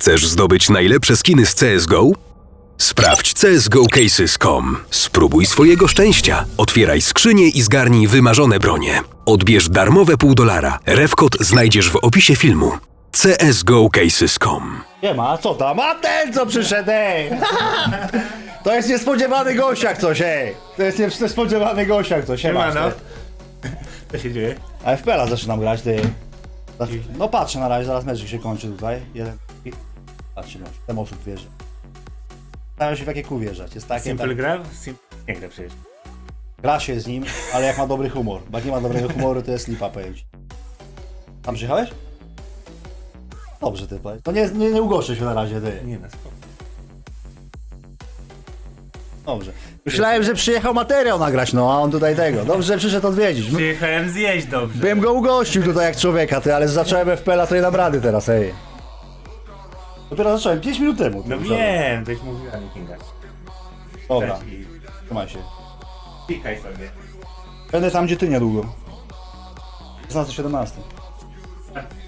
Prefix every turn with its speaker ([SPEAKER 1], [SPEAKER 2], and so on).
[SPEAKER 1] Chcesz zdobyć najlepsze skiny z CSGO? Sprawdź csgocases.com. Spróbuj swojego szczęścia. Otwieraj skrzynię i zgarnij wymarzone bronie. Odbierz darmowe $0,5. Refkod znajdziesz w opisie filmu. csgocases.com.
[SPEAKER 2] Nie ma, co tam? A ten co przyszedł, ej! To jest niespodziewany gościak coś, ej! To jest niespodziewany gościak coś, ej!
[SPEAKER 3] Co się dzieje?
[SPEAKER 2] A FPL-a zaczynam grać, ty. No patrzę na razie, zaraz mecz się kończy tutaj. Jeden. Patrzcie, no, ten osób wierzy. Staram się w jakie kół wjeżdżać. Jest takie,
[SPEAKER 3] Simple
[SPEAKER 2] tak,
[SPEAKER 3] gra? Simple nie gra przecież.
[SPEAKER 2] gra się z nim, ale jak ma dobry humor. Bo jak nie ma dobrego humoru, to jest lipa, powiem ci. Tam przyjechałeś? Dobrze, ty powiedz. No nie ugoszczę się na razie, ty.
[SPEAKER 3] Nie na spoko.
[SPEAKER 2] Dobrze. Myślałem, że przyjechał materiał nagrać, no a on tutaj tego. Dobrze, że przyszedł odwiedzić.
[SPEAKER 3] Przyjechałem zjeść dobrze.
[SPEAKER 2] Bym go ugościł tutaj jak człowieka, ty, ale zacząłem FPL-a, to nie dam rady teraz, ej. Dopiero zacząłem 5 minut temu. ty,
[SPEAKER 3] No
[SPEAKER 2] kurczę.
[SPEAKER 3] wiem, byś mówiła mi Kinga.
[SPEAKER 2] Dobra,
[SPEAKER 3] I
[SPEAKER 2] trzymaj się.
[SPEAKER 3] pikaj sobie.
[SPEAKER 2] Będę tam, gdzie ty niedługo. 16-17.